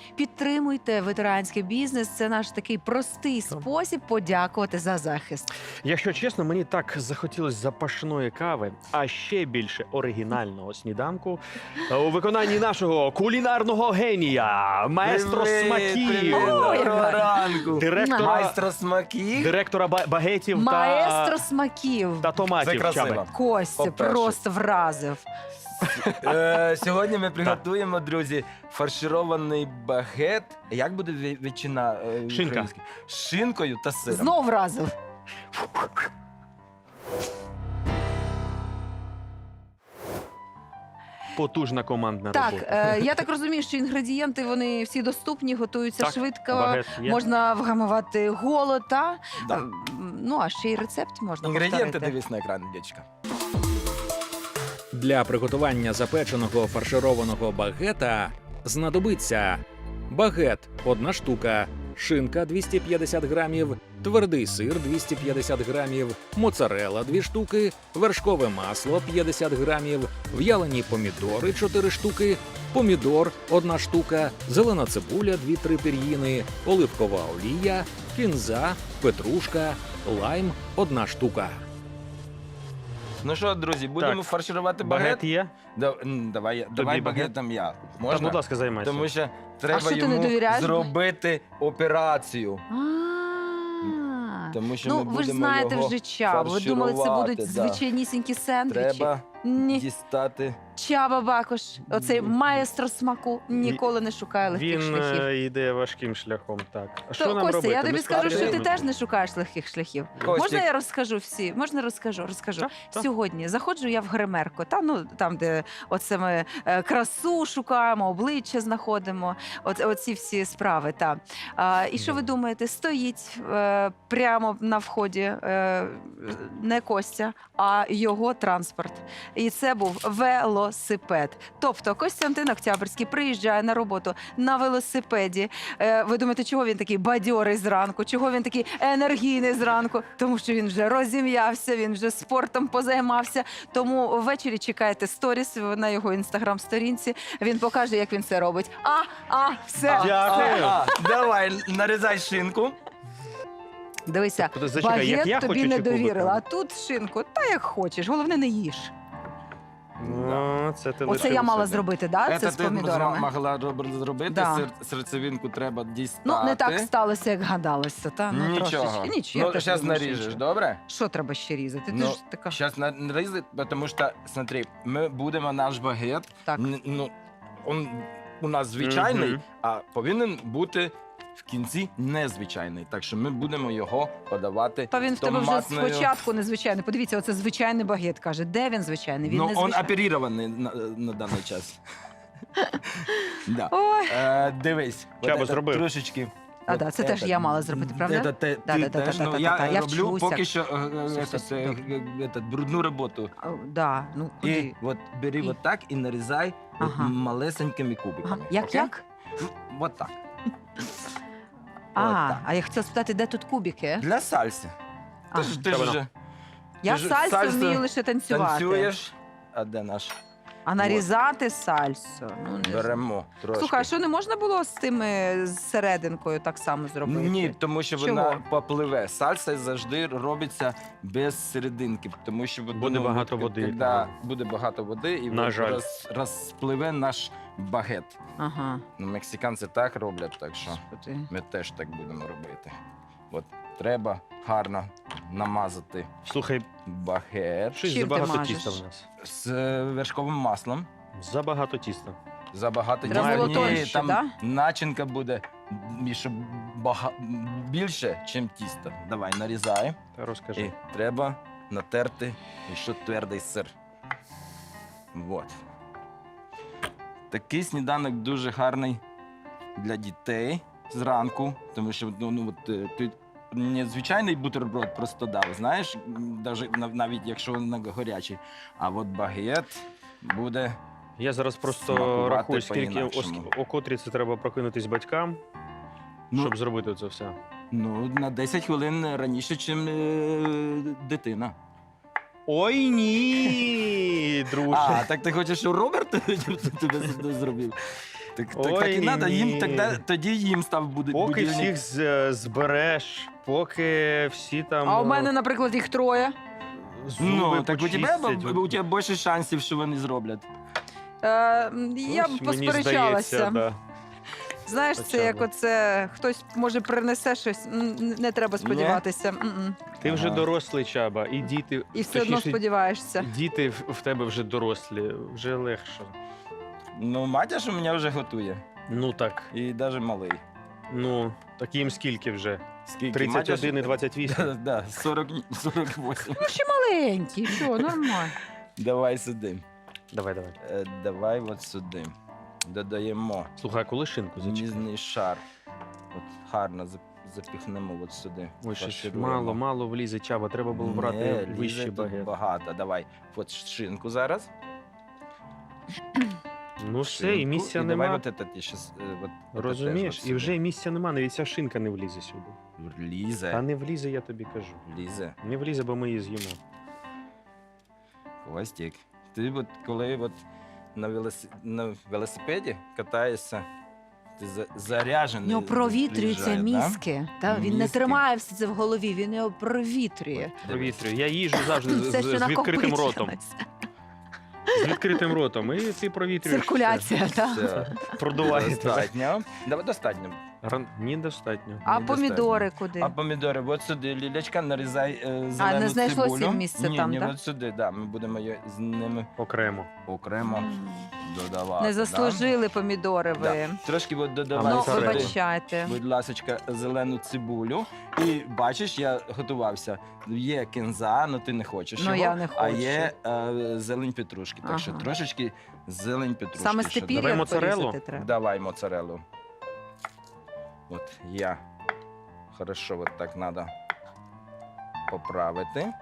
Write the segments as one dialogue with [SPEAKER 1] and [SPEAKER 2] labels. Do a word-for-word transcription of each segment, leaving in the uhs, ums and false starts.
[SPEAKER 1] Підтримуйте ветеранський бізнес. Це наш такий простий спосіб подякувати за захист.
[SPEAKER 2] Якщо чесно, мені так захотілося запашної кави, а ще більше оригінального сніданку у виконанні нашого кулінарного генія, маестро
[SPEAKER 3] Привіт,
[SPEAKER 2] смаків,
[SPEAKER 3] привіт,
[SPEAKER 1] Ой,
[SPEAKER 3] доброго
[SPEAKER 1] яка.
[SPEAKER 3] ранку.
[SPEAKER 2] директора,
[SPEAKER 3] Майстро смаків.
[SPEAKER 2] директора ба- багетів
[SPEAKER 1] Маестро
[SPEAKER 2] та,
[SPEAKER 1] смаків.
[SPEAKER 2] та
[SPEAKER 3] Це
[SPEAKER 2] томатів.
[SPEAKER 3] красиво.
[SPEAKER 2] Чаби.
[SPEAKER 1] Костя
[SPEAKER 3] По-перше.
[SPEAKER 1] просто вразив.
[SPEAKER 3] Е, Сьогодні ми приготуємо, друзі, фарширований багет. Як буде ві- ветчина е,
[SPEAKER 2] Шинка.
[SPEAKER 3] українська? З шинкою та сиром.
[SPEAKER 1] Знов вразив.
[SPEAKER 2] Потужна командна
[SPEAKER 1] Так,
[SPEAKER 2] робота.
[SPEAKER 1] е, я так розумію, що інгредієнти вони всі доступні, готуються
[SPEAKER 2] Так,
[SPEAKER 1] швидко.
[SPEAKER 2] багет є.
[SPEAKER 1] Можна вгамувати голод, та?
[SPEAKER 3] Да.
[SPEAKER 1] Е, Ну, а ще й рецепт можна
[SPEAKER 3] Інгредієнти
[SPEAKER 1] повторити.
[SPEAKER 3] дивись на екран, дівчинка.
[SPEAKER 4] Для приготування запеченого фаршированого багета знадобиться багет – одна штука, шинка – двісті п'ятдесят грамів, твердий сир – двісті п'ятдесят грамів, моцарелла – дві штуки, вершкове масло – п'ятдесят грамів, в'ялені помідори – чотири штуки, помідор – одна штука, зелена цибуля – дві-три пір'їни, оливкова олія, кінза, петрушка, лайм – одна штука.
[SPEAKER 3] Ну що, друзі, будемо
[SPEAKER 2] Так.
[SPEAKER 3] фарширувати багет?
[SPEAKER 2] Багет є?
[SPEAKER 3] Да, м, давай, я- давай
[SPEAKER 2] багет?
[SPEAKER 3] багетом я.
[SPEAKER 2] Так,
[SPEAKER 3] Можна?
[SPEAKER 2] будь ласка, займайся.
[SPEAKER 3] Тому що треба
[SPEAKER 1] що ти не
[SPEAKER 3] йому
[SPEAKER 1] довіряєш?
[SPEAKER 3] зробити операцію.
[SPEAKER 1] А.
[SPEAKER 3] Тому що
[SPEAKER 1] Ну,
[SPEAKER 3] ми
[SPEAKER 1] ви ж
[SPEAKER 3] будемо
[SPEAKER 1] знаєте
[SPEAKER 3] його
[SPEAKER 1] вже Чабу. Ви думали, це
[SPEAKER 3] фарширувати,
[SPEAKER 1] будуть
[SPEAKER 3] да.
[SPEAKER 1] звичайнісінькі сендвічі?
[SPEAKER 3] Треба
[SPEAKER 1] Ні.
[SPEAKER 3] дістати.
[SPEAKER 1] Чаба Бакош, оцей
[SPEAKER 3] Ні.
[SPEAKER 1] маестро смаку, ніколи не шукає легких
[SPEAKER 2] Він
[SPEAKER 1] шляхів.
[SPEAKER 2] е, йде важким шляхом. Так. А що
[SPEAKER 1] То,
[SPEAKER 2] нам
[SPEAKER 1] Костя,
[SPEAKER 2] робити?
[SPEAKER 1] я тобі
[SPEAKER 2] Ми
[SPEAKER 1] скажу, що ти
[SPEAKER 2] спробуємо?
[SPEAKER 1] теж не шукаєш легких шляхів.
[SPEAKER 3] Костік.
[SPEAKER 1] Можна я розкажу всі? Можна розкажу? Розкажу.
[SPEAKER 2] Так, так.
[SPEAKER 1] Сьогодні заходжу я в гримерку, там, ну, там, де оце ми е, красу шукаємо, обличчя знаходимо, от, оці всі справи. Та. А, і що ви думаєте? Стоїть е, прямо на вході е, не Костя, а його транспорт. І це був велосипед. Тобто Костянтин Октябрьський приїжджає на роботу на велосипеді. Е, ви думаєте, чого він такий бадьорий зранку? Чого він такий енергійний зранку? Тому що він вже розім'явся, він вже спортом позаймався. Тому ввечері чекайте сторіс на його інстаграм-сторінці. Він покаже, як він це робить. А, а, все.
[SPEAKER 3] А,
[SPEAKER 2] Дякую.
[SPEAKER 3] а, а, давай, нарізай шинку.
[SPEAKER 1] Дивися,
[SPEAKER 2] Тобто, зачекай, як я
[SPEAKER 1] багет тобі
[SPEAKER 2] хочу
[SPEAKER 1] не
[SPEAKER 2] чи кубиком?
[SPEAKER 1] довірила, а тут шинку, та як хочеш. Головне, не їж.
[SPEAKER 2] Ну, це ти
[SPEAKER 1] Оце
[SPEAKER 2] лишив
[SPEAKER 1] я мала
[SPEAKER 2] собі.
[SPEAKER 1] зробити, да? Це з
[SPEAKER 3] ти
[SPEAKER 1] помідорами.
[SPEAKER 3] могла роб- зробити,
[SPEAKER 1] Да.
[SPEAKER 3] сер- серцевинку треба дістати.
[SPEAKER 1] Ну, не так сталося, як гадалося, та? Ну,
[SPEAKER 3] Нічого.
[SPEAKER 1] трошечки. Нічого. я
[SPEAKER 3] Ну,
[SPEAKER 1] теж
[SPEAKER 3] зараз
[SPEAKER 1] думаю, що
[SPEAKER 3] наріжеш,
[SPEAKER 1] нічого.
[SPEAKER 3] добре?
[SPEAKER 1] Що треба ще різати? Ти
[SPEAKER 3] Ну,
[SPEAKER 1] ж така.
[SPEAKER 3] Зараз нарізати, тому що, смотри, ми будемо наш багет,
[SPEAKER 1] Так.
[SPEAKER 3] н- ну, он у нас звичайний,
[SPEAKER 2] Мгм.
[SPEAKER 3] а повинен бути в кінці незвичайний. Так що ми будемо його подавати
[SPEAKER 1] Та він в тебе вже
[SPEAKER 3] томатною-
[SPEAKER 1] спочатку незвичайний. Подивіться, оце звичайний багет каже. Де він звичайний? Він
[SPEAKER 3] Ну,
[SPEAKER 1] не
[SPEAKER 3] он
[SPEAKER 1] звичайний.
[SPEAKER 3] оперірований на, на даний час. Да.
[SPEAKER 1] Ой.
[SPEAKER 3] Е, дивись,
[SPEAKER 2] Чабо
[SPEAKER 3] от це
[SPEAKER 2] зробив.
[SPEAKER 3] трошечки.
[SPEAKER 1] А,
[SPEAKER 3] от
[SPEAKER 1] да, це теж
[SPEAKER 3] этот,
[SPEAKER 1] я мала зробити, правда?
[SPEAKER 3] це те-
[SPEAKER 1] Да,
[SPEAKER 3] ти
[SPEAKER 1] да, да,
[SPEAKER 3] теж,
[SPEAKER 1] да,
[SPEAKER 3] ну,
[SPEAKER 1] да,
[SPEAKER 3] я
[SPEAKER 1] да, я
[SPEAKER 3] роблю
[SPEAKER 1] вчуся.
[SPEAKER 3] поки що е, е,
[SPEAKER 1] Все,
[SPEAKER 3] этот,
[SPEAKER 1] все,
[SPEAKER 3] е,
[SPEAKER 1] добре.
[SPEAKER 3] е, этот, брудну роботу.
[SPEAKER 1] А, да, ну куди?
[SPEAKER 3] І от бери
[SPEAKER 1] І?
[SPEAKER 3] от так і нарізай от
[SPEAKER 1] Ага.
[SPEAKER 3] малесенькими
[SPEAKER 1] Ага.
[SPEAKER 3] кубиками.
[SPEAKER 1] Як,
[SPEAKER 3] окей?
[SPEAKER 1] як?
[SPEAKER 3] От так.
[SPEAKER 1] А,
[SPEAKER 3] так.
[SPEAKER 1] а я хотіла спитати, де тут кубики?
[SPEAKER 3] Для сальси.
[SPEAKER 1] А,
[SPEAKER 3] Ти ж ти
[SPEAKER 2] Та
[SPEAKER 3] ж
[SPEAKER 2] воно.
[SPEAKER 1] я
[SPEAKER 3] ти ж
[SPEAKER 1] сальсу
[SPEAKER 3] сальсу
[SPEAKER 1] вмію лише танцювати.
[SPEAKER 3] танцюєш. А де наш?
[SPEAKER 1] А нарізати сальсу? Ну, не знаю.
[SPEAKER 3] Беремо трошки.
[SPEAKER 1] Слухай, а що не можна було з тими з серединкою так само зробити?
[SPEAKER 3] Ні, тому що
[SPEAKER 1] Чого?
[SPEAKER 3] вона попливе. Сальса завжди робиться без серединки, тому що от,
[SPEAKER 2] Буде
[SPEAKER 3] ну,
[SPEAKER 2] багато
[SPEAKER 3] от,
[SPEAKER 2] води,
[SPEAKER 3] коли
[SPEAKER 2] так.
[SPEAKER 3] буде багато води і
[SPEAKER 2] На
[SPEAKER 3] от
[SPEAKER 2] жаль.
[SPEAKER 3] роз, розпливе наш багет.
[SPEAKER 1] Ага.
[SPEAKER 3] Ну, мексиканці так роблять, так що
[SPEAKER 1] Господи.
[SPEAKER 3] ми теж так будемо робити. От треба гарно намазати
[SPEAKER 2] Слухай,
[SPEAKER 3] багет
[SPEAKER 2] щось
[SPEAKER 1] Чим ти
[SPEAKER 2] забагато
[SPEAKER 1] мажеш?
[SPEAKER 2] тіста в нас.
[SPEAKER 3] з е, вершковим маслом.
[SPEAKER 2] Забагато тіста.
[SPEAKER 3] Забагато
[SPEAKER 1] Треба
[SPEAKER 3] тіста.
[SPEAKER 1] було
[SPEAKER 3] Ні,
[SPEAKER 1] тоньше,
[SPEAKER 3] там
[SPEAKER 1] да?
[SPEAKER 3] начинка буде і щоб бага... більше, ніж тісто. Давай, нарізай.
[SPEAKER 2] Та розкажи.
[SPEAKER 3] І треба натерти ще твердий сир. Вот. Такий сніданок дуже гарний для дітей зранку, тому що ну, ну, от, е, ти не звичайний бутерброд просто дав, знаєш, даже, нав- навіть якщо він гарячий. А от багет буде.
[SPEAKER 2] Я зараз просто
[SPEAKER 3] Смакувати
[SPEAKER 2] рахую, скільки
[SPEAKER 3] по-інакшому.
[SPEAKER 2] о, о котрій це треба прокинутись батькам,
[SPEAKER 3] Ну,
[SPEAKER 2] щоб зробити це все.
[SPEAKER 3] ну, на десять хвилин раніше, ніж е, дитина.
[SPEAKER 2] Ой, ні, друже.
[SPEAKER 3] А, так ти хочеш, щоб Роберт тебе зробив? Так, так,
[SPEAKER 2] Ой,
[SPEAKER 3] так і треба,
[SPEAKER 2] ні.
[SPEAKER 3] їм тоді, тоді їм став буде
[SPEAKER 2] Поки
[SPEAKER 3] будильник.
[SPEAKER 2] всіх з- збереш, поки всі там
[SPEAKER 1] А у
[SPEAKER 2] е,
[SPEAKER 1] мене, наприклад, їх троє.
[SPEAKER 2] зуби
[SPEAKER 3] Ну, так у
[SPEAKER 2] почистять.
[SPEAKER 3] тебе, у тебе більше шансів, що вони зроблять.
[SPEAKER 1] Е, м, я б
[SPEAKER 2] Ось, мені
[SPEAKER 1] посперечалася.
[SPEAKER 2] здається, да.
[SPEAKER 1] Знаєш, це
[SPEAKER 2] Хоча
[SPEAKER 1] як
[SPEAKER 2] б.
[SPEAKER 1] оце хтось може принесе щось, м, не треба сподіватися. М-м.
[SPEAKER 2] Ти вже
[SPEAKER 3] Ага.
[SPEAKER 2] дорослий, Чаба, і діти,
[SPEAKER 1] І все одно
[SPEAKER 2] точніше,
[SPEAKER 1] сподіваєшся.
[SPEAKER 2] діти в в тебе вже дорослі, вже легше.
[SPEAKER 3] Ну, матір у мене вже готує.
[SPEAKER 2] Ну так,
[SPEAKER 3] І навіть малий.
[SPEAKER 2] ну, так їм скільки вже?
[SPEAKER 3] Скільки?
[SPEAKER 2] тридцять один і
[SPEAKER 3] Матір-
[SPEAKER 2] двадцять
[SPEAKER 3] Да,
[SPEAKER 2] вісім.
[SPEAKER 3] да, сорок, сорок вісім.
[SPEAKER 1] Ну, ще маленький, що, нормально.
[SPEAKER 3] Давай сюди.
[SPEAKER 2] Давай, давай.
[SPEAKER 3] Е, давай от сюди. Додаємо
[SPEAKER 2] Слухай, а коли шинку зачекай?
[SPEAKER 3] ніжний шар. От гарно зап- запіхнемо от сюди.
[SPEAKER 2] Ой, щось
[SPEAKER 3] Фаршируємо.
[SPEAKER 2] мало, мало влізе, Чаба, треба було брати
[SPEAKER 3] Не, лізе
[SPEAKER 2] вищий
[SPEAKER 3] тут
[SPEAKER 2] багет.
[SPEAKER 3] багато. Давай. От шинку зараз.
[SPEAKER 2] Ну все, і
[SPEAKER 3] Шинку.
[SPEAKER 2] місця
[SPEAKER 3] І
[SPEAKER 2] нема.
[SPEAKER 3] Давай от це, ти щас, е, от, от
[SPEAKER 2] Розумієш?
[SPEAKER 3] теж от
[SPEAKER 2] І вже місця нема, навіть ця шинка не влізе сюди.
[SPEAKER 3] сюди. Лізе.
[SPEAKER 2] Та не влізе, я тобі кажу.
[SPEAKER 3] Лізе.
[SPEAKER 2] Не влізе, бо ми її з'їмо.
[SPEAKER 3] Хвостик. Ти от коли от на, велосипеді, на велосипеді катаєшся, ти за,
[SPEAKER 1] У
[SPEAKER 3] заряджений.
[SPEAKER 1] нього провітрюються
[SPEAKER 3] приїжджає, да?
[SPEAKER 1] мізки. Та? Він не
[SPEAKER 3] Мізки.
[SPEAKER 1] тримає все це в голові, він його провітрює.
[SPEAKER 2] Провітрюю. Я їжу завжди з,
[SPEAKER 1] Це
[SPEAKER 2] з,
[SPEAKER 1] що
[SPEAKER 2] з відкритим ротом.
[SPEAKER 1] накопичилось.
[SPEAKER 2] З відкритим ротом. І ти провітрюєш.
[SPEAKER 1] Циркуляція, так.
[SPEAKER 3] Все,
[SPEAKER 2] Продуває.
[SPEAKER 3] достатньо. Давай достатньо.
[SPEAKER 2] Ран- Ні, достатньо.
[SPEAKER 1] А
[SPEAKER 3] Недостатньо.
[SPEAKER 1] помідори куди?
[SPEAKER 3] А помідори, от сюди, Лілечка, нарізай е, зелену
[SPEAKER 1] не знайшлося
[SPEAKER 3] цибулю.
[SPEAKER 1] місця
[SPEAKER 3] ні,
[SPEAKER 1] там,
[SPEAKER 3] ні,
[SPEAKER 1] да?
[SPEAKER 3] от сюди, да, ми будемо її з ними
[SPEAKER 2] Окремо.
[SPEAKER 3] окремо
[SPEAKER 1] М.
[SPEAKER 3] додавати.
[SPEAKER 1] Не заслужили помідори
[SPEAKER 3] Да?
[SPEAKER 1] ви.
[SPEAKER 3] Да. Трошки от додавай
[SPEAKER 1] Ну,
[SPEAKER 2] Давай,
[SPEAKER 3] сюди,
[SPEAKER 1] вибачайте.
[SPEAKER 3] будь ласочка, зелену цибулю. І бачиш, я готувався. Є кінза, але ти не хочеш
[SPEAKER 1] Ну,
[SPEAKER 3] його,
[SPEAKER 1] я не
[SPEAKER 3] а
[SPEAKER 1] хочу.
[SPEAKER 3] є е, зелень петрушки. Так що
[SPEAKER 1] Ага.
[SPEAKER 3] трошечки зелень петрушки.
[SPEAKER 1] Саме
[SPEAKER 3] ще
[SPEAKER 1] степір'я
[SPEAKER 2] Давай моцареллу?
[SPEAKER 1] порізати треба.
[SPEAKER 3] Давай моцареллу. От я. Хорошо, вот так надо поправити.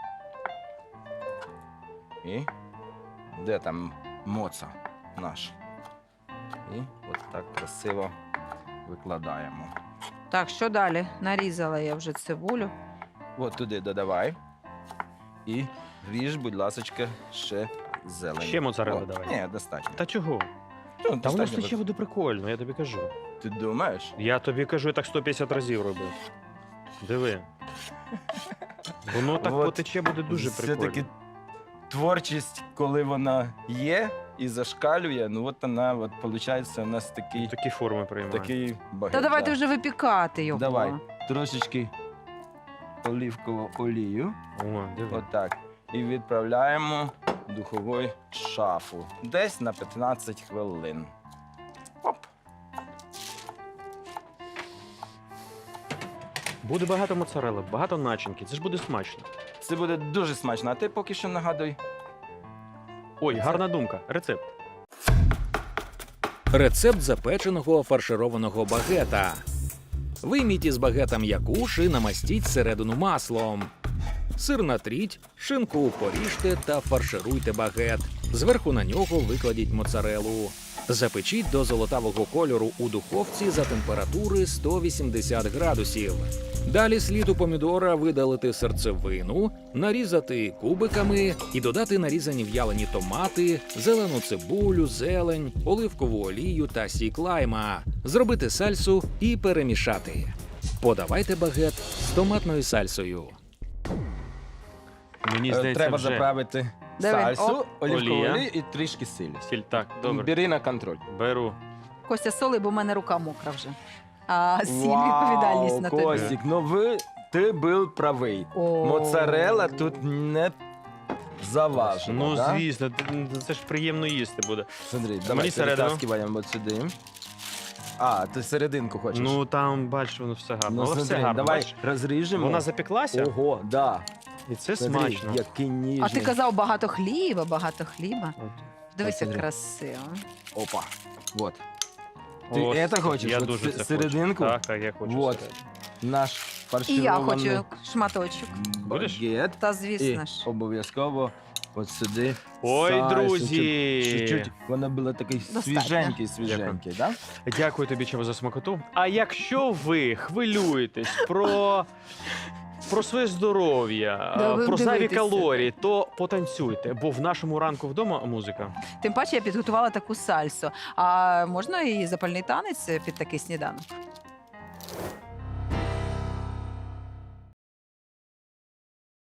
[SPEAKER 3] І де там моца наш? І от так красиво викладаємо.
[SPEAKER 1] Так, що далі? Нарізала я вже цибулю.
[SPEAKER 3] От туди додавай. І ріж, будь ласочка, ще зелень.
[SPEAKER 2] Ще моцарелли
[SPEAKER 3] О,
[SPEAKER 2] давай.
[SPEAKER 3] Ні, достатньо.
[SPEAKER 2] Та чого?
[SPEAKER 3] Ну,
[SPEAKER 2] Та воно
[SPEAKER 3] достатньо.
[SPEAKER 2] ж ще буде прикольно, я тобі кажу.
[SPEAKER 3] Ти думаєш?
[SPEAKER 2] Я тобі кажу, я так сто п'ятдесят разів робив. Диви. Воно так
[SPEAKER 3] От.
[SPEAKER 2] потече, буде дуже
[SPEAKER 3] Все-таки
[SPEAKER 2] прикольно.
[SPEAKER 3] творчість, коли вона є і зашкалює, ну от вона, от, виходить, у нас такий,
[SPEAKER 2] Такі форми приймає.
[SPEAKER 3] такий багет.
[SPEAKER 1] Та давайте
[SPEAKER 3] да.
[SPEAKER 1] вже випікати його.
[SPEAKER 3] Давай. Трошечки оливкову олію,
[SPEAKER 2] О, диви.
[SPEAKER 3] отак. І відправляємо в духову шафу. Десь на п'ятнадцять хвилин. Оп.
[SPEAKER 2] Буде багато моцарели, багато начинки. Це ж буде смачно.
[SPEAKER 3] Це буде дуже смачно. А ти поки що нагадуй.
[SPEAKER 2] Ой,
[SPEAKER 3] Це-
[SPEAKER 2] гарна думка. Рецепт.
[SPEAKER 4] Рецепт запеченого фаршированого багета. Вийміть із багета м'якуш і намастіть середину маслом. Сир натріть, шинку поріжте та фаршируйте багет. Зверху на нього викладіть моцарелу. Запечіть до золотавого кольору у духовці за температури сто вісімдесят градусів. Далі слід у помідора видалити серцевину, нарізати кубиками і додати нарізані в'ялені томати, зелену цибулю, зелень, оливкову олію та сік лайма. Зробити сальсу і перемішати. Подавайте багет з томатною сальсою.
[SPEAKER 2] Мені
[SPEAKER 3] Е,
[SPEAKER 2] здається,
[SPEAKER 3] Треба
[SPEAKER 2] вже.
[SPEAKER 3] заправити
[SPEAKER 1] Диви,
[SPEAKER 3] сальсу,
[SPEAKER 1] оп.
[SPEAKER 3] оливкову
[SPEAKER 2] Олія.
[SPEAKER 3] олію і трішки сілі.
[SPEAKER 2] Сіль, так, добре.
[SPEAKER 3] Бери на контроль.
[SPEAKER 2] Беру.
[SPEAKER 1] Костя, соли, бо в мене рука мокра вже. А сіль
[SPEAKER 3] Вау,
[SPEAKER 1] відповідальність на тобі.
[SPEAKER 3] Костік, ну ви, ти був правий.
[SPEAKER 1] О.
[SPEAKER 3] Моцарелла тут не заважена,
[SPEAKER 2] Ну,
[SPEAKER 3] да?
[SPEAKER 2] звісно, т- це ж приємно їсти буде.
[SPEAKER 3] Смотри,
[SPEAKER 2] Мені
[SPEAKER 3] давай
[SPEAKER 2] середину.
[SPEAKER 3] перетаскиваємо от сюди. А, ти серединку хочеш?
[SPEAKER 2] Ну там, бачиш, воно все гарно.
[SPEAKER 3] ну
[SPEAKER 2] Але все
[SPEAKER 3] смотри,
[SPEAKER 2] гарно.
[SPEAKER 3] давай
[SPEAKER 2] бачиш?
[SPEAKER 3] розріжемо.
[SPEAKER 2] Вона запеклася,
[SPEAKER 3] Ого, да.
[SPEAKER 2] і це
[SPEAKER 3] Смотри,
[SPEAKER 2] смачно.
[SPEAKER 3] який ніжний.
[SPEAKER 1] А ти казав багато хліба, багато хліба.
[SPEAKER 2] От.
[SPEAKER 1] Дивись, як
[SPEAKER 3] Смотри.
[SPEAKER 1] красиво.
[SPEAKER 3] Опа, вот. Ти
[SPEAKER 2] Ось,
[SPEAKER 3] это хочеш?
[SPEAKER 2] Я
[SPEAKER 3] От
[SPEAKER 2] дуже
[SPEAKER 3] се-
[SPEAKER 2] це
[SPEAKER 3] серединку?
[SPEAKER 2] хочу. Так, так, я хочу.
[SPEAKER 3] Вот.
[SPEAKER 2] серединку.
[SPEAKER 3] Наш
[SPEAKER 1] І
[SPEAKER 3] фарширований
[SPEAKER 1] я хочу шматочок.
[SPEAKER 2] Будеш?
[SPEAKER 3] багет.
[SPEAKER 1] Та
[SPEAKER 3] І
[SPEAKER 1] звісно ж.
[SPEAKER 3] обов'язково от сюди.
[SPEAKER 2] Ой,
[SPEAKER 3] сальсу,
[SPEAKER 2] друзі!
[SPEAKER 3] щоб Чуть-чуть воно було такий
[SPEAKER 1] Достатньо.
[SPEAKER 3] свіженький, свіженький, да?
[SPEAKER 2] Дякую тобі, Чаба, за смакоту. А якщо ви хвилюєтесь про про своє здоров'я,
[SPEAKER 1] Да,
[SPEAKER 2] е,
[SPEAKER 1] ви
[SPEAKER 2] про зайві
[SPEAKER 1] дивитеся.
[SPEAKER 2] калорії, то потанцюйте, бо в нашому ранку вдома музика.
[SPEAKER 1] Тим паче я підготувала таку сальсу. А можна і запальний танець під такий сніданок?